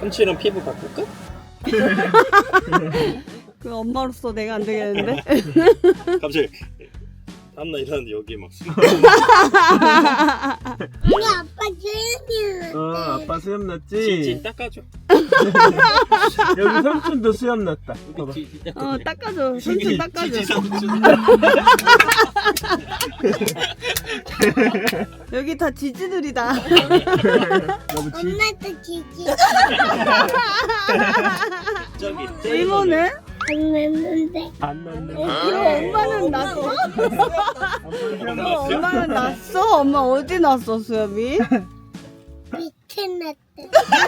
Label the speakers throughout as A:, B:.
A: 삼촌이랑 피부 바꿀까?
B: 그 엄마로서 내가 안 되겠는데?
A: 갑자기 다음날 일어났는데 여기 막
C: 우리 아빠 수염이
D: 아빠 수염 났지?
A: 찌찌 닦아줘.
D: 여기 삼촌도 수염 났다. 봐봐.
B: 닦아줘. 손좀 닦아줘.
A: 찌찌 삼촌.
B: 여기 다 지지들이다.
D: 너무 지.
C: 엄마도 지지
A: 저기
B: 이모는?
C: 안 맺는데
D: 안 났네.
B: 그럼 엄마는 났어? 그럼 엄마는 났어? 엄마 어디 났어 수염이?
C: 밑에 났대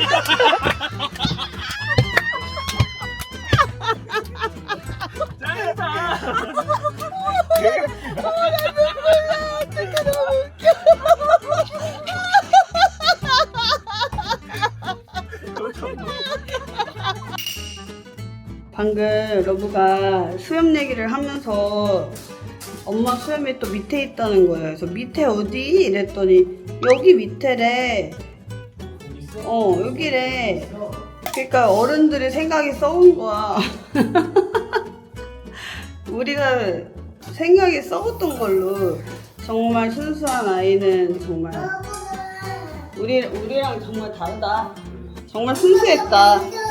B: 방금 러브가 수염 얘기를 하면서 엄마 수염이 또 밑에 있다는 거예요. 그래서 밑에 어디? 이랬더니 여기 밑에래. 여기래. 그러니까 어른들이 생각이 썩은 거야. 우리가 생각이 썩었던 걸로 정말 순수한 아이는 정말 우리랑 정말 다르다. 정말 순수했다.